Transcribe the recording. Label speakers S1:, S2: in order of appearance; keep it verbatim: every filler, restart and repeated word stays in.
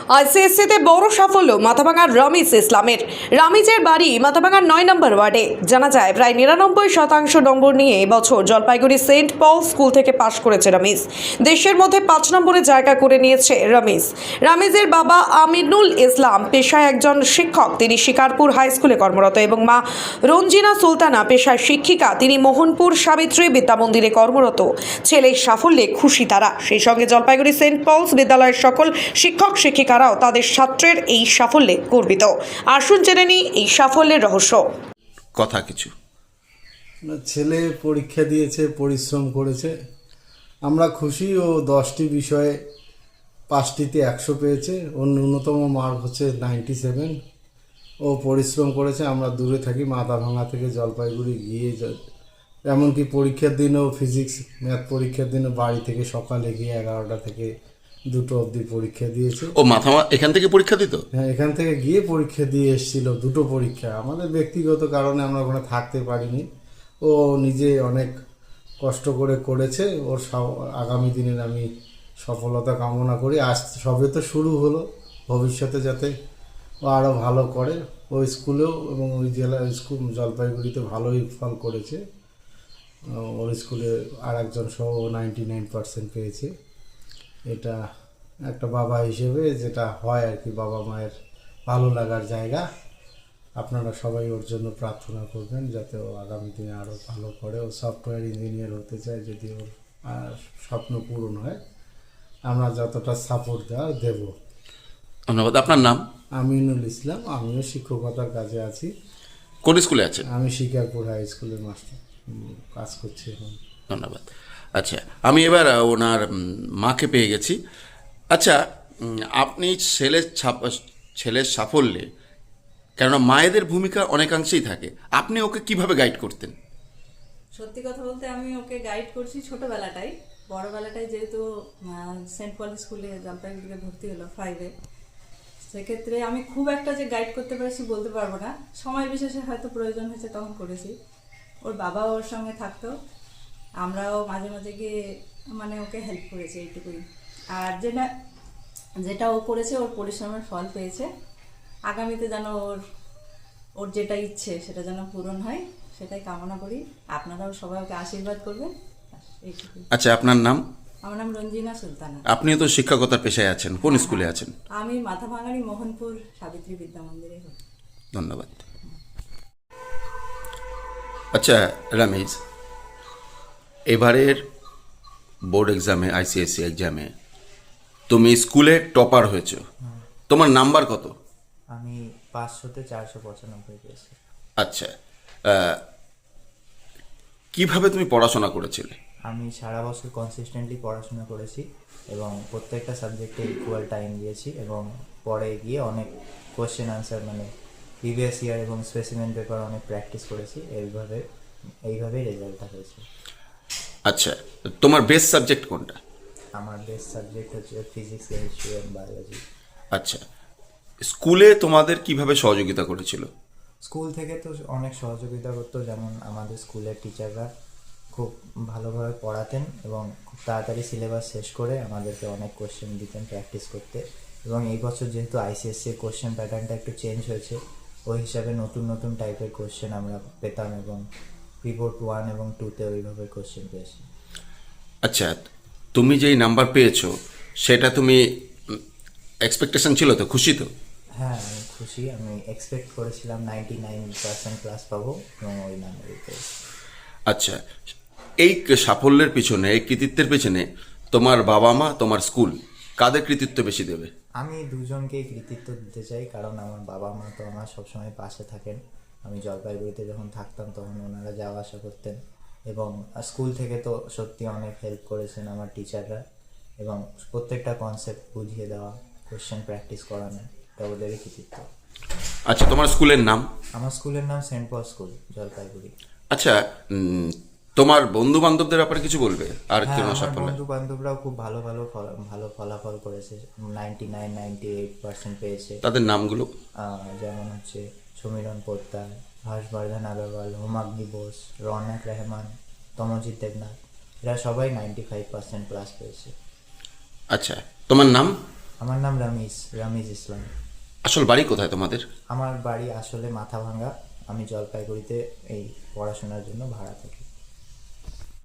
S1: আইসিএসসিতে বড় সাফল্য মাথাভাঙার রমিজ ইসলামের। রামিজের বাড়ি মাথাভাঙার নয় নম্বর ওয়ার্ডে। জানা যায় প্রায় নিরানব্বই শতাংশ নম্বর নিয়ে এবছর জলপাইগুড়ি সেন্ট পল স্কুল থেকে পাশ করেছে রমিজ। দেশের মধ্যে পাঁচ নম্বরে জায়গা করে নিয়েছে রমিজ। রামিজের বাবা আমিনুল ইসলাম পেশায় একজন শিক্ষক, তিনি শিকারপুর হাই স্কুলে কর্মরত, এবং মা রঞ্জিনা সুলতানা পেশায় শিক্ষিকা, তিনি মোহনপুর সাবিত্রী বিদ্যা মন্দিরে কর্মরত। ছেলের সাফল্যে খুশি তারা। সেই সঙ্গে জলপাইগুড়ি সেন্ট পলস বিদ্যালয়ের সকল শিক্ষক শিক্ষিকারাও তাদের ছাত্রের এই সাফল্যে গর্বিত। আসুন জেনে নিই এই সাফল্যের রহস্য।
S2: কথা কিছু
S3: না, ছেলে পরীক্ষা দিয়েছে, পরিশ্রম করেছে, আমরা খুশি। ও দশটি বিষয়ে পাঁচটিতে একশো পেয়েছে। ওর ন্যূনতম মার্ক হচ্ছে নাইনটি সেভেন। ও পরিশ্রম করেছে। আমরা দূরে থাকি, মাথাভাঙা থেকে জলপাইগুড়ি গিয়ে, এমনকি পরীক্ষার দিনও ফিজিক্স ম্যাথ পরীক্ষার দিনও বাড়ি থেকে সকালে গিয়ে এগারোটা থেকে দুটো অবধি পরীক্ষা দিয়েছে।
S2: ও মাথা এখান থেকে পরীক্ষা দিত?
S3: হ্যাঁ, এখান থেকে গিয়ে পরীক্ষা দিয়ে এসেছিল, দুটো পরীক্ষা। আমাদের ব্যক্তিগত কারণে আমরা ওখানে থাকতে পারিনি। ও নিজে অনেক কষ্ট করে করেছে। ওর আগামী দিনের আমি সফলতা কামনা করি। আজ সবে তো শুরু হলো, ভবিষ্যতে যাতে ও আরও ভালো করে। ওই স্কুলেও এবং ওই জেলা স্কুল জলপাইগুড়িতে ভালোই ফল করেছে। ওর স্কুলে আর একজন সহ নাইনটি নাইন পার্সেন্ট পেয়েছে। এটা একটা বাবা হিসেবে যেটা হয় আর কি, বাবা মায়ের ভালো লাগার জায়গা। আপনারা সবাই ওর জন্য প্রার্থনা করবেন যাতে ও আগামী দিনে আরও ভালো করে। ও সফটওয়্যার ইঞ্জিনিয়ার হতে চায়, যদি ওর স্বপ্ন পূরণ হয় আমরা যতটা সাপোর্ট দেওয়া দেব।
S2: ধন্যবাদ। আপনার নাম?
S3: আমিনুল ইসলাম। আমিও শিক্ষকতার কাজে আছি।
S2: কোন স্কুলে আছেন?
S3: আমি শিকারপুর হাই স্কুলের মাস্টার কাজ করছি এখন।
S2: ধন্যবাদ। আচ্ছা, আমি এবার ওনার মাকে পেয়ে গেছি। আচ্ছা, আপনি ছেলের ছাপ ছেলের সাফল্যে, কেননা মায়েদের ভূমিকা অনেকাংশেই থাকে, আপনি ওকে কিভাবে গাইড করতেন?
S4: সত্যি কথা বলতে আমি ওকে গাইড করছি ছোটোবেলাটাই। বড়োবেলাটাই যেহেতু সেন্ট পল স্কুলে জলপাইগুড়িতে ভর্তি হলো ফাইভে, সেক্ষেত্রে আমি খুব একটা যে গাইড করতে পেরেছি বলতে পারবো না। সময় বিশেষে হয়তো প্রয়োজন হয়েছে তখন করেছি। ওর বাবাও ওর সঙ্গে থাকতো, আমরাও মাঝে মাঝে গিয়ে মানে ওকে হেল্প করেছি, এইটুকুই। আর যেটা যেটা ও করেছে, ওর পরিশ্রমের ফল পেয়েছে। আগামীতে যেন ওর ওর যেটা ইচ্ছে সেটা যেন পূরণ হয়, সেটাই কামনা করি। আপনারাও সবাই ওকে আশীর্বাদ করবেন, এইটুকুই।
S2: আচ্ছা, আপনার নাম?
S4: আমার নাম রঞ্জিনা সুলতানা।
S2: আপনিও তো শিক্ষকতার পেশায় আছেন, কোন স্কুলে আছেন?
S4: আমি মাথাভাঙারি মোহনপুর সাবিত্রী বিদ্যা মন্দিরে।
S2: ধন্যবাদ। আচ্ছা রামিজ, এবারের বোর্ড এক্সামে, আইসিএসসি এক্সামে তুমি স্কুলে টপার হয়েছো। তোমার নাম্বার কত?
S5: আমি পাঁচশোতে চারশো পঁচানব্বই পেয়েছি।
S2: আচ্ছা, কিভাবে তুমি পড়াশোনা করেছিলে?
S5: আমি সারা বছর কনসিস্টেন্টলি পড়াশোনা করেছি এবং প্রত্যেকটা সাবজেক্টে ইকুয়াল টাইম দিয়েছি, এবং পরে গিয়ে অনেক কোয়েশ্চেন আনসার মানে প্রিভিয়াস ইয়ার এবং স্পেসিমেন পেপার অনেক প্র্যাকটিস করেছি। এইভাবে এইভাবেই রেজাল্টটা হয়েছে।
S2: আচ্ছা, তোমার বেস্ট সাবজেক্ট কোনটা?
S5: আমার বেস্ট সাবজেক্ট হচ্ছে ফিজিক্স, কেমিস্ট্রি এবং বায়োলজি।
S2: আচ্ছা, স্কুলে তোমাদের কিভাবে সহযোগিতা করেছিল?
S5: স্কুল থেকে তো অনেক সহযোগিতা করতো, যেমন আমাদের স্কুলের টিচাররা খুব ভালোভাবে পড়াতেন এবং খুব তাড়াতাড়ি সিলেবাস শেষ করে আমাদেরকে অনেক কোশ্চেন দিতেন প্র্যাকটিস করতে। এবং এই বছর যেহেতু আইসিএসসির কোশ্চেন প্যাটার্নটা একটু চেঞ্জ হয়েছে, ওই হিসাবে নতুন নতুন টাইপের কোশ্চেন আমরা পেতাম, এবং প্রিবোর্ড ওয়ান এবং টুতে ওইভাবে কোশ্চেন পেয়েছি।
S2: আচ্ছা, তুমি যেই নাম্বার পেয়েছো সেটা তুমি এক্সপেকটেশন ছিল তো, খুশি তো?
S5: হ্যাঁ, আমি খুশি। আমি এক্সপেক্ট করেছিলাম নাইনটি নাইন পার্সেন্ট ক্লাস পাবো এবং ওই নাম্বারই পেয়েছি।
S2: আচ্ছা, এই সাফল্যের পিছনে, এই কৃতিত্বের পিছনে তোমার বাবা মা, তোমার স্কুল, কাদের কৃতিত্ব বেশি দেবে?
S5: আমি দুজনকেই কৃতিত্ব দিতে চাই, কারণ আমার বাবা মা তো আমার সবসময় পাশে থাকেন। আমি জলপাইগুড়িতে যখন থাকতাম তখন ওনারা যাওয়া আসা করতেন, এবং স্কুল থেকে তো সত্যি অনেক হেল্প করেছেন আমার টিচাররা, এবং প্রত্যেকটা কনসেপ্ট বুঝিয়ে দেওয়া, কোয়েশ্চেন প্র্যাকটিস করানো, এটা ওদেরই কৃতিত্ব।
S2: আচ্ছা, তোমার স্কুলের নাম?
S5: আমার স্কুলের নাম সেন্ট পল স্কুল, জলপাইগুড়ি।
S2: আচ্ছা, তোমার বন্ধু বান্ধবদের ব্যাপারে কিছু বলবে? আর
S5: হ্যাঁ,
S2: কেন
S5: আমার
S2: সাফল্য?
S5: বন্ধু বান্ধবরাও খুব ভালো ভালো ফল- ভালো ফলাফল করেছে, ninety nine ninety eight percent পেয়েছে।
S2: তাদের নামগুলো?
S5: আহ, যেমন হচ্ছে সমীরণ পোদ্দার, হর্ষবর্ধন আগরওয়াল, হোমাগ্নি বোস, রৌনক রহমান, তমজিৎ দেবনাথ, এরা সবাই নাইনটি ফাইভ পার্সেন্ট প্লাস পেয়েছে।
S2: আচ্ছা, তোমার নাম?
S5: আমার নাম রমিজ রমিজ ইসলাম।
S2: আসল বাড়ি কোথায় তোমাদের?
S5: আমার বাড়ি আসলে মাথাভাঙ্গা। আমি জলপাইগুড়িতে এই পড়াশোনার জন্য ভাড়া থাকি।